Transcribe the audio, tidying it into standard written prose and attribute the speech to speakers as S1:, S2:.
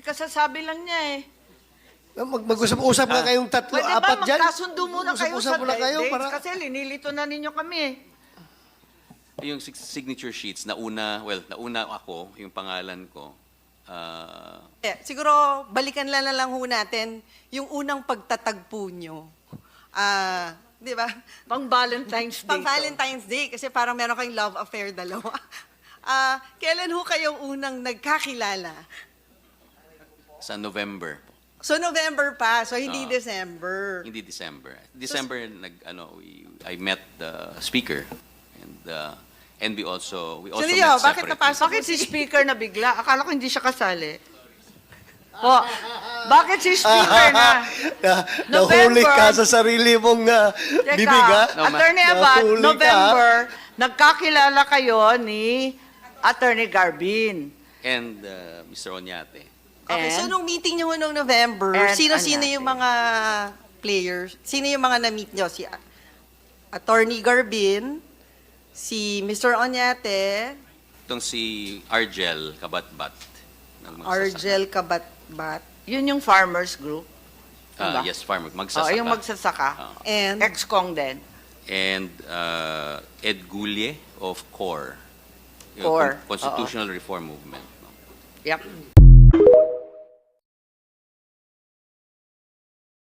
S1: kasasabi lang niya eh.
S2: Mag-usap-usap nga kayong tatlo,
S1: Pwede
S2: apat
S1: ba
S2: dyan.
S1: magkasundo muna kayo
S2: Mag-usap-usap
S1: sa
S2: muna kayo
S1: dates?
S2: para...
S1: Kasi linilito na ninyo kami eh.
S3: Yung signature sheets, nauna ako, yung pangalan ko.
S4: Siguro, balikan na lang ho natin yung unang pagtatagpo nyo. Di ba?
S1: Pang Valentine's Day.
S4: Pang Valentine's Day, kasi parang meron kayong love affair dalawa. Kailan ho kayong unang nagkakilala?
S3: Sa November.
S4: So, November pa. So, hindi December.
S3: Hindi December. December, I met the speaker. And we also
S4: Leo,
S3: met
S4: bakit
S3: separately.
S4: napasok?
S1: Bakit si speaker na bigla? Akala ko hindi siya kasali. Po, bakit si speaker na?
S2: Nahuli
S1: November.
S2: ka sa sarili mong
S1: Teka,
S2: bibig, ha?
S1: Attorney Abad,
S2: Nahuli ka.
S1: November, nagkakilala kayo ni Attorney Garbin.
S3: And Mr. Oñate.
S4: Okay, so
S1: And?
S4: nung meeting nyo noong November,
S1: And
S4: sino-sino
S1: Añate.
S4: yung mga players? Sino yung mga na-meet nyo? Si Attorney Garbin, si Mr. Oñate,
S3: Itong si Argel Kabatbat. ng magsasaka.
S4: Argel Kabatbat,
S1: Yun yung farmers group. Diba?
S3: Yes, farmer. Magsasaka.
S1: Yung magsasaka.
S4: and
S1: Ex-Kong din.
S3: And Ed Gulye of CORE. Yung
S1: CORE,
S3: Constitutional Reform Movement. No?
S1: Yep.